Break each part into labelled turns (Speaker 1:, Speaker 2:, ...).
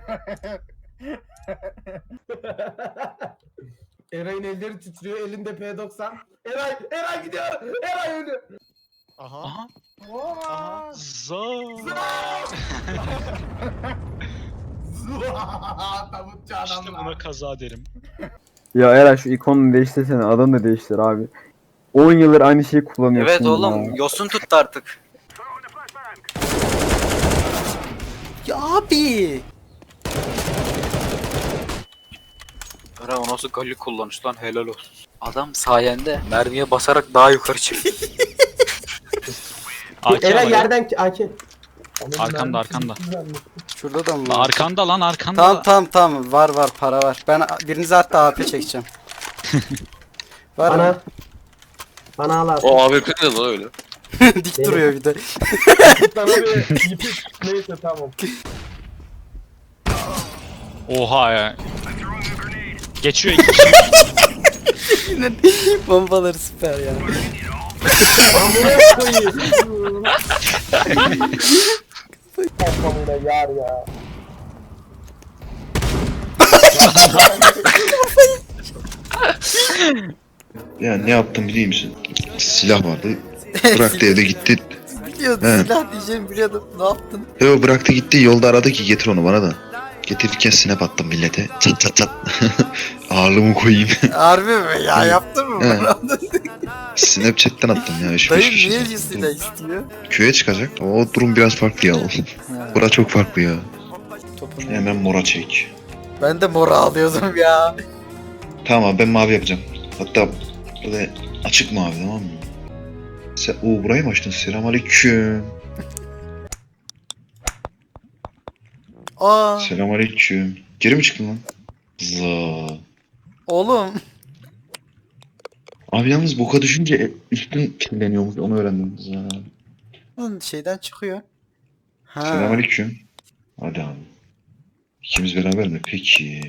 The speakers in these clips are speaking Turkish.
Speaker 1: Eray'ın elleri titriyor, elinde P90. Eray gidiyor. Eray ölüyor.
Speaker 2: Aha.
Speaker 3: Aha.
Speaker 2: Aha.
Speaker 1: Tabutçu
Speaker 3: İşte
Speaker 1: adamlar.
Speaker 3: buna kaza derim.
Speaker 4: Ya Eray şu ikonunu değiştirsene, adını da değiştir abi. 10 yıldır aynı şeyi kullanıyorsun.
Speaker 5: Evet oğlum,
Speaker 4: ya.
Speaker 5: yosun tuttu artık. Ya abi. Ara o nasıl galli kullanış lan, helal olsun. Adam sayende mermiye basarak daha yukarı çıktı.
Speaker 3: AK
Speaker 1: Eray
Speaker 3: var.
Speaker 1: yerden AK.
Speaker 3: Arkanda arkanda.
Speaker 5: Şurada da mı?
Speaker 3: Lan arkanda lan arkanda.
Speaker 5: Tamam var para var. Ben birinize hatta AP çekeceğim. Var
Speaker 1: Bana.
Speaker 5: mı?
Speaker 1: Bana al abi.
Speaker 6: O AWP ne lan öyle?
Speaker 5: Dik duruyor bir de.
Speaker 1: Sana bir yipik. Neyse tamam.
Speaker 3: Oha ya. Geçiyor iki kişi.
Speaker 5: Bombaları süper ya.
Speaker 1: Ben buraya koyayım. Kamına yar ya.
Speaker 7: Ya ne yaptım biliyor musun? Silah vardı. Bıraktı evde gitti.
Speaker 5: Biliyordum,
Speaker 7: He.
Speaker 5: silah diyeceğimi biliyordum. Ne yaptın?
Speaker 7: Yo bıraktı gitti, yolda aradı ki getir onu bana da. Getirirken snap attım millete. Çat çat çat. Ağırlığımı koyayım.
Speaker 5: Harbi mi ya, yaptın mı?
Speaker 7: He. Snapchat'ten attım ya. 3-5
Speaker 5: Dayım
Speaker 7: kişi.
Speaker 5: niye silah istiyor?
Speaker 7: Köye çıkacak. O durum biraz farklı ya. Bura çok farklı ya.
Speaker 5: Topunu.
Speaker 7: Hemen mora çek.
Speaker 5: Ben de mora alıyordum ya.
Speaker 7: Tamam abi ben mavi yapacağım. Hatta böyle açık mavi, tamam mı? Sen burayı mı açtın? Selamünaleyküm.
Speaker 5: Aa,
Speaker 7: Selamünaleyküm. Geri mi çıktın lan? Za.
Speaker 5: oğlum.
Speaker 7: Abi yalnız boka düşünce üstün kirleniyormuş, onu öğrendim. Za.
Speaker 5: Lan şeyden çıkıyor. Ha.
Speaker 7: Selamünaleyküm. Hadi abi. İkimiz beraber mi? Peki.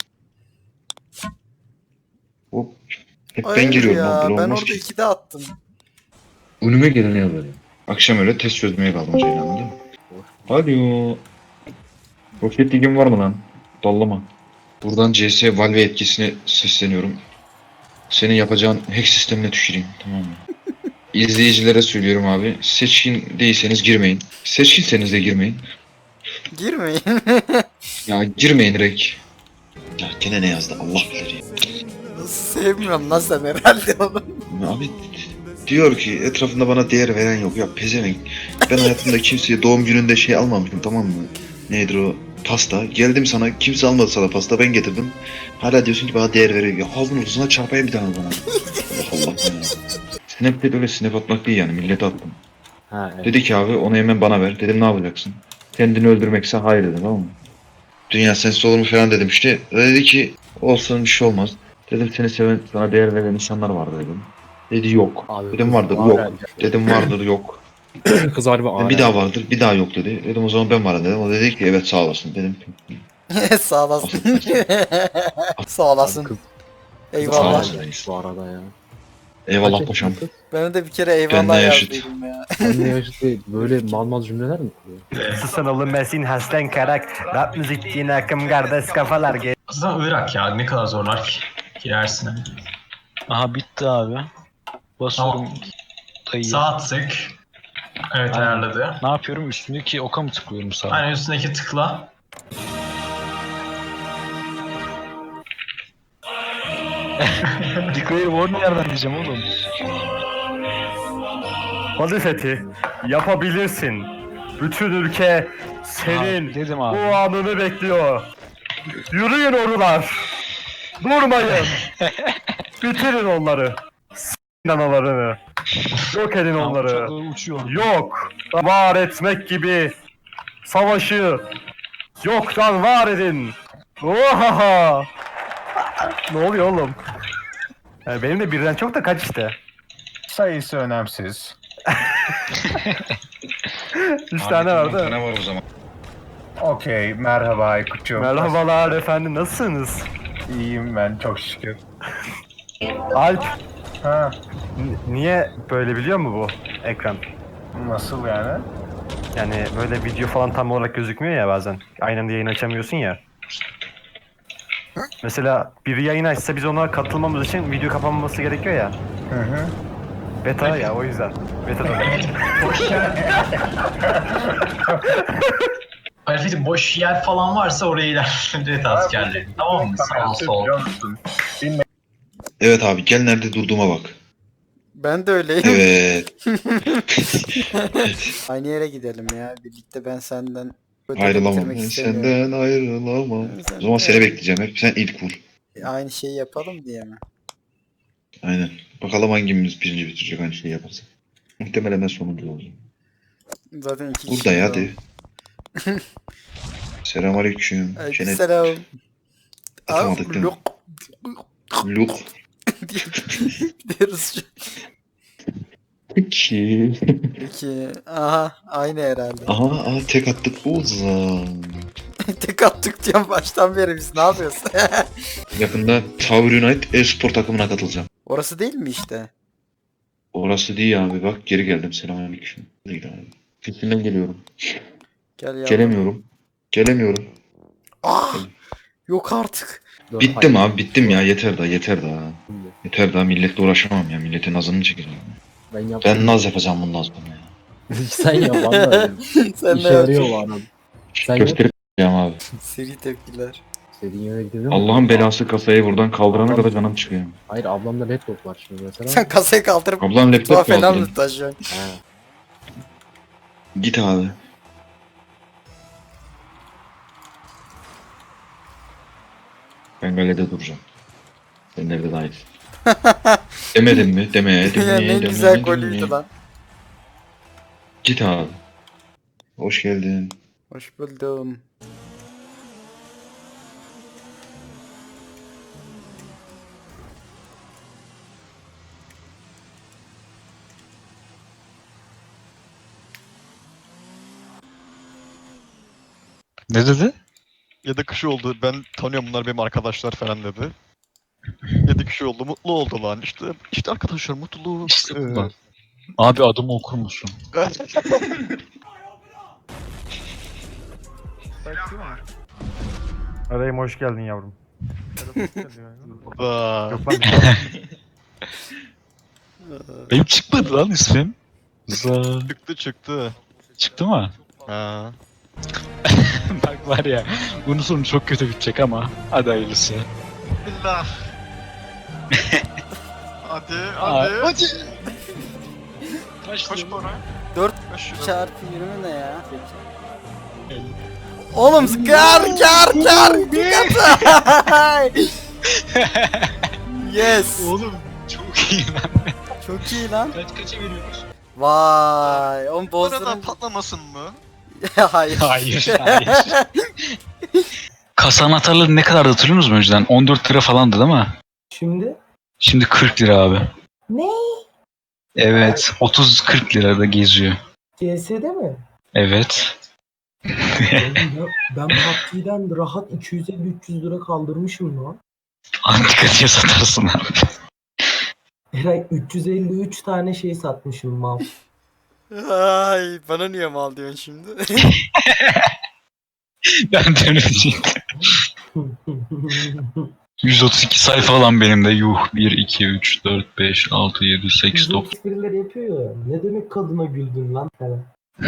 Speaker 7: Hop. Hep ben
Speaker 5: Hayır
Speaker 7: giriyorum
Speaker 5: ya,
Speaker 7: lan. Böyle
Speaker 5: ben
Speaker 7: olmaz
Speaker 5: orada
Speaker 7: ki.
Speaker 5: 2'de attım.
Speaker 7: Önüme geleni yazarım. Akşam öyle test çözmeye kaldım Ceylan'da değil mi? Alo. Roket ligin var mı lan? Dallama. Buradan CS Valve etkisine sesleniyorum. Senin yapacağın hack sistemine tüküreyim, tamam mı? İzleyicilere söylüyorum abi. Seçkin değilseniz girmeyin. Seçkinseniz de girmeyin.
Speaker 5: Girmeyin.
Speaker 7: Ya girmeyin direkt. Ya gene ne yazdı Allah bilir ya.
Speaker 5: Sevmiyorum lan sen herhalde onu.
Speaker 7: Abi diyor ki etrafında bana değer veren yok. Ya pezevenk. Ben hayatımda kimseye doğum gününde şey almamışım, tamam mı? Nedir o? Pasta. Geldim sana, kimse almadı sana pasta, ben getirdim. Hala diyorsun ki bana değer veriyor. Ya aldın uzuna çarpayım bir tane bana. Allah Allah ya. Snap'te öyle snap atmak değil yani, millete attım.
Speaker 2: Ha, evet.
Speaker 7: Dedi ki abi onu hemen bana ver. Dedim ne yapacaksın? Kendini öldürmekse hayır dedim, tamam mı? Dünya sensiz olur mu falan dedim işte. Dedi ki olsun bir şey olmaz. Dedim seni seven, sana değer veren insanlar vardı dedim. Dedi yok.
Speaker 2: Abi,
Speaker 7: Dedim vardır,
Speaker 2: kız
Speaker 7: yok.
Speaker 2: var
Speaker 7: Dedim vardır, yok.
Speaker 2: Kız harbi ağır.
Speaker 7: Bir daha vardır, bir daha yok dedi. Dedim o zaman ben varım dedim. O dedi ki evet sağ olasın dedim.
Speaker 5: Sağ olasın. Sağ olasın.
Speaker 2: Kız
Speaker 5: Eyvallah.
Speaker 7: Sağ ol.
Speaker 2: bu arada ya.
Speaker 7: Eyvallah paşam.
Speaker 5: Ben de bir kere
Speaker 7: Benden
Speaker 5: eyvallah
Speaker 7: yaşıt.
Speaker 5: yazdıydım ya.
Speaker 2: Anne yaşlı böyle mal cümleler mi kuruyor?
Speaker 8: Susan oğlum Mesin Haslen Karak Rap müzik din akım kardeş kafalar
Speaker 9: Aslında Irak ya, ne kadar zorlar ki girersin.
Speaker 3: Aha bitti abi. Basıyorum. Dayı.
Speaker 9: Sağ tık. Evet,
Speaker 3: Aynen.
Speaker 9: ayarladı.
Speaker 3: Ne yapıyorum? Üstündeki oka mı tıklıyorum sağa?
Speaker 9: Aynen, üstündeki tıkla.
Speaker 3: Declare war nereden diyeceğim oğlum?
Speaker 8: Hadi Fethi yapabilirsin. Bütün ülke senin
Speaker 3: Abi, dedim
Speaker 8: bu
Speaker 3: abi.
Speaker 8: anını bekliyor. Yürüyün orular. Durmayın. Bitirin onları. S**in analarını. Yok edin onları.
Speaker 3: Uçaklar uçuyor.
Speaker 8: Yok. Var etmek gibi savaşı yoktan var edin. Oha! Ne oluyor oğlum? Benim de birden çok da kaç işte. Sayısı önemsiz. 3 tane vardı.
Speaker 7: Ne var o zaman?
Speaker 8: Okey, merhaba Aykut'cum. Merhabalar efendim, nasılsınız? İyiyim ben, çok şükür. Alp. Ha. Niye böyle biliyor mu bu ekran? Nasıl yani? Yani böyle video falan tam olarak gözükmüyor ya bazen. Aynı anda yayın açamıyorsun ya. Mesela biri yayın açsa biz ona katılmamız için video kapanması gerekiyor ya. Beta ya o yüzden. Beta'da.
Speaker 9: Boş yer. Alfred'im boş yer falan varsa oraya ilerlet askerleri. Tamam mı? Sağ sol.
Speaker 7: Evet abi gel nerede durduğuma bak.
Speaker 6: Ben de öyleyim.
Speaker 7: Evet.
Speaker 6: Aynı yere gidelim ya. Birlikte ben senden ödül
Speaker 7: Ayrılamam.
Speaker 6: bitirmek
Speaker 7: Ben
Speaker 6: istemiyorum.
Speaker 7: senden ayrılamam.
Speaker 6: Sen
Speaker 7: O zaman
Speaker 6: de-
Speaker 7: seni bekleyeceğim hep. Sen ilk vur.
Speaker 6: Aynı şeyi yapalım diye mi?
Speaker 7: Aynen. Bakalım hangimiz birinci bitirecek aynı şeyi yaparsa. Muhtemelen ben sonuncu olacağım.
Speaker 6: Zaten iki
Speaker 7: Burada
Speaker 6: kişi
Speaker 7: ya
Speaker 6: var.
Speaker 7: hadi. Selamünaleyküm. Şenet.
Speaker 6: Selam.
Speaker 7: Atamadık değil mi?
Speaker 6: Lok
Speaker 7: Luk.
Speaker 6: diyoruz.
Speaker 7: Peki.
Speaker 6: Peki. Aha aynı herhalde.
Speaker 7: Aha tek attık Ozan.
Speaker 6: Tek attık diyorum baştan beri biz ne yapıyoruz?
Speaker 7: Yakında Tower United e-spor takımına katılacağım.
Speaker 6: Orası değil mi işte?
Speaker 7: Orası değil abi bak geri geldim. Selamünaleyküm. Değil abi. Fikrinden geliyorum.
Speaker 6: Gel ya.
Speaker 7: Gelemiyorum. Gelemiyorum.
Speaker 6: Ah! Yok artık.
Speaker 7: Bittim abi bittim ya yeter daha yeter daha. Yeter daha milletle uğraşamam ya milletin nazını çekeceğim.
Speaker 2: Ben yaptım.
Speaker 7: Ben naz yapacağım bundan sonra ya.
Speaker 2: Sen yap valla.
Speaker 6: Sen
Speaker 2: İşe
Speaker 6: ne
Speaker 2: yarıyor bu
Speaker 6: yapıyorsun?
Speaker 2: arada. Sen yap.
Speaker 7: Gösterip abi.
Speaker 6: Seri tepkiler.
Speaker 2: İstediğin yere gidelim.
Speaker 7: Allah'ın belası kasayı buradan kaldırana kadar canım çıkıyor.
Speaker 2: Hayır ablamda laptop var şimdi mesela.
Speaker 6: Sen kasayı kaldırıp
Speaker 7: Ablam
Speaker 6: mutfağa
Speaker 7: laptop mu
Speaker 6: falan
Speaker 7: aldın?
Speaker 6: mı taşıyorsun?
Speaker 2: Ha.
Speaker 7: Git abi. Ben galede duracağım. Sen nerede dahil? Demedim mi? Deme, deme,
Speaker 6: Ya ne
Speaker 7: deme,
Speaker 6: güzel
Speaker 7: deme.
Speaker 6: golüydü lan.
Speaker 7: Git abi. Hoş geldin.
Speaker 6: Hoş buldum.
Speaker 3: Ne dedi?
Speaker 10: 7 kişi oldu. Ben tanıyorum bunlar benim arkadaşlar falan dedi. 7 kişi oldu. Mutlu oldu lan. İşte arkadaşlar mutluluğu.
Speaker 3: İşte bu lan. Abi adımı okur musun?
Speaker 8: Arayım hoş geldin yavrum.
Speaker 10: Aa,
Speaker 8: Yok lan bir şey.
Speaker 3: Benim çıkmadı lan ismim. Za.
Speaker 10: çıktı.
Speaker 3: Çıktı mı?
Speaker 10: Ha.
Speaker 3: Bak var ya. Bunun sonu çok kötü bitecek ama. Hadi hayırlısı.
Speaker 10: Billah. hadi
Speaker 3: Hadi.
Speaker 10: Kaç para?
Speaker 6: 4
Speaker 10: Kaç lira?
Speaker 6: çarpı 20 ne ya? Oğlum kar bir katı. Yes.
Speaker 3: Oğlum çok iyi lan.
Speaker 6: Çok iyi lan.
Speaker 3: Kaça veriyoruz?
Speaker 6: Vay. Oğlum
Speaker 10: Bu arada
Speaker 6: bozdurun.
Speaker 10: patlamasın mı?
Speaker 6: Hayır.
Speaker 3: Hayır, hayır. Kasa anahtarları ne kadar hatırlıyor musunuz önceden? 14 lira falandı değil mi?
Speaker 1: Şimdi
Speaker 3: Şimdi 40 lira abi.
Speaker 1: ne?
Speaker 3: Evet. 30-40 lirada geziyor.
Speaker 1: CS'de mi?
Speaker 3: Evet.
Speaker 1: Ben PUBG'den rahat 250-300 lira kaldırmışım lan.
Speaker 3: Antika diye satarsın abi.
Speaker 1: Eray 353 tane şey satmışım mal.
Speaker 6: Ay bana niye mal diyorsun şimdi?
Speaker 3: Ben de öyle diyecektim. 132 sayfa lan benim de. Yuh. 1, 2, 3, 4, 5, 6, 7, 8,
Speaker 1: Bizim
Speaker 3: 9.
Speaker 1: esprileri yapıyor ya. Ne demek kadına güldün lan falan.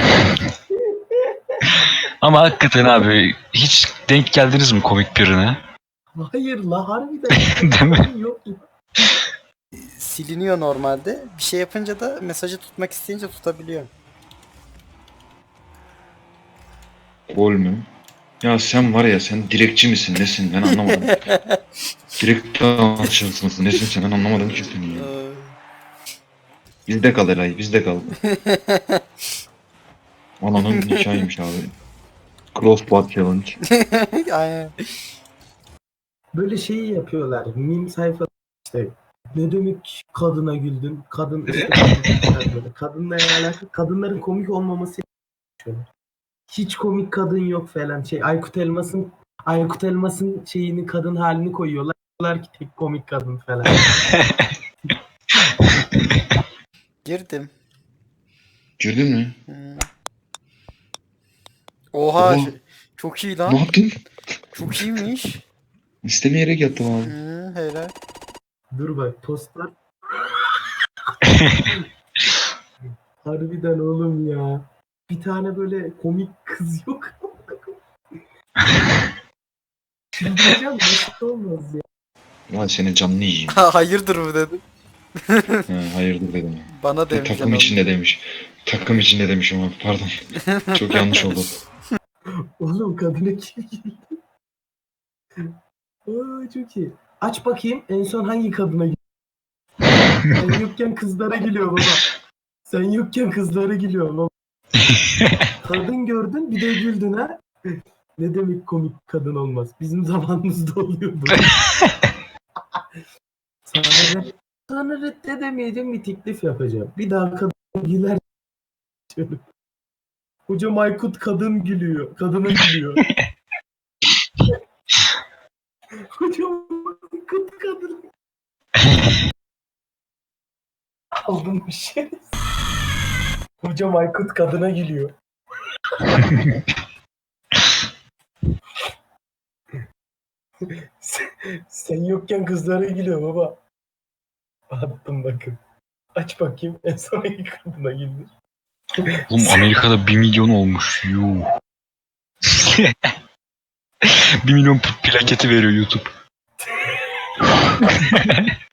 Speaker 3: Ama hakikaten abi hiç denk geldiniz mi komik birine?
Speaker 1: Hayır la harbiden.
Speaker 3: Değil mi?
Speaker 1: Yok.
Speaker 6: Siliniyor normalde. Bir şey yapınca da mesajı tutmak isteyince tutabiliyor.
Speaker 7: Gol mü? Ya sen var ya sen direkçi misin nesin ben anlamadım. Direkt anlaşılsın mısın nesin sen ben anlamadım ki seni ya. Bizde kal Eray bizde kal. Ananın nikahıymış abi. Crossbar challenge.
Speaker 6: Aynen.
Speaker 1: Böyle şeyi yapıyorlar. Meme sayfa işte. Ne demek kadına güldün? Kadın işte böyle. Kadınla alakalı. Kadınların komik olmaması şöyle. Hiç komik kadın yok falan. Aykut Elmas'ın şeyini kadın halini koyuyorlar. Diyorlar ki tek komik kadın falan.
Speaker 6: Girdim.
Speaker 7: Girdin mi?
Speaker 6: Hmm. Oha
Speaker 7: Oha.
Speaker 6: çok iyi
Speaker 7: Ne
Speaker 6: lan.
Speaker 7: yaptın?
Speaker 6: Çok iyiymiş.
Speaker 7: İstemeyerek yattım abi.
Speaker 6: Helal.
Speaker 1: Dur bak postlar. Harbiden oğlum ya. Bir tane böyle komik kız yok. Çıldıracağım, nasıl olmaz ya.
Speaker 7: Ulan senin canını yiyeyim.
Speaker 6: Hayırdır mı dedim.
Speaker 7: Hayırdır dedim.
Speaker 6: Bana demiş.
Speaker 7: Takım içinde demiş. Takım içinde demişim abi pardon. Çok yanlış oldu.
Speaker 1: Oğlum kadına kim geldi? Aa, çok iyi. Aç bakayım en son hangi kadına geliyor? Sen yokken kızlara geliyor baba. Sen yokken kızlara geliyor baba. Kadın gördün bir de güldün ha. Ne demek komik kadın olmaz. Bizim zamanımızda oluyordu. Sana reddedemeyeceğim bir teklif yapacağım. Bir daha kadın güler. Hocam Aykut kadın gülüyor. Kadına gülüyor. Hocam Aykut kadın. Aldım bir şey. Hocam Aykut kadına gülüyor. sen yokken kızlara gülüyor baba. Attım bakın. Aç bakayım en son hangi kadına güldü.
Speaker 3: Oğlum Amerika'da 1 milyon olmuş. Yuh. 1 milyon plaketi veriyor YouTube.